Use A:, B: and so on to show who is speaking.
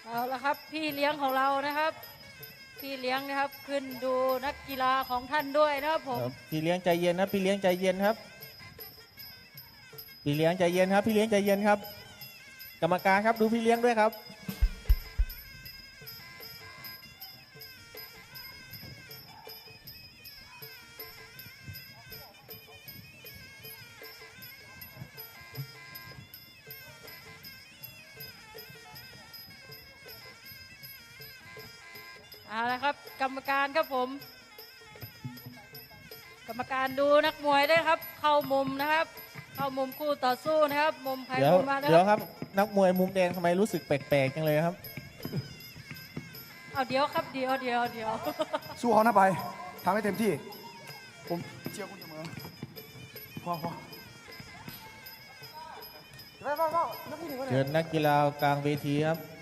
A: เอาละครับพี่เลี้ยงของเรานะครับพี่เลี้ยงนะครับขึ้นดูนักกีฬาของท่านด้วยนะครับผม
B: พี่เลี้ยงใจเย็นนะพี่เลี้ยงใจเย็นครับพี่เลี้ยงใจเย็นครับพี่เลี้ยงใจเย็นครับกรรมการครับดูพี่เลี้ยงด้วยครับ
A: เอาละครับกรรมการครับผมกรรมการดูนักมวยด้วยครับเข้ามุมนะครับเข้ามุมคู่ต่อสู้นะครับมุมใคร
B: เดี๋ยว
A: มุมมานะ
B: เดี๋ยว
A: ค
B: ครับ รับนักมวยมุมแดงทำไมรู้สึกแปลกๆจังเลยครับ
A: เอาเดี๋ยวครับเดี๋ยว
C: สู้เขานะไปทำให้เต็มที่ผมเชียร์คุณเสมอพอไปนักวิ่งหนึ่งก็ได้
B: เชิญนักกีฬากลางเวทีครับ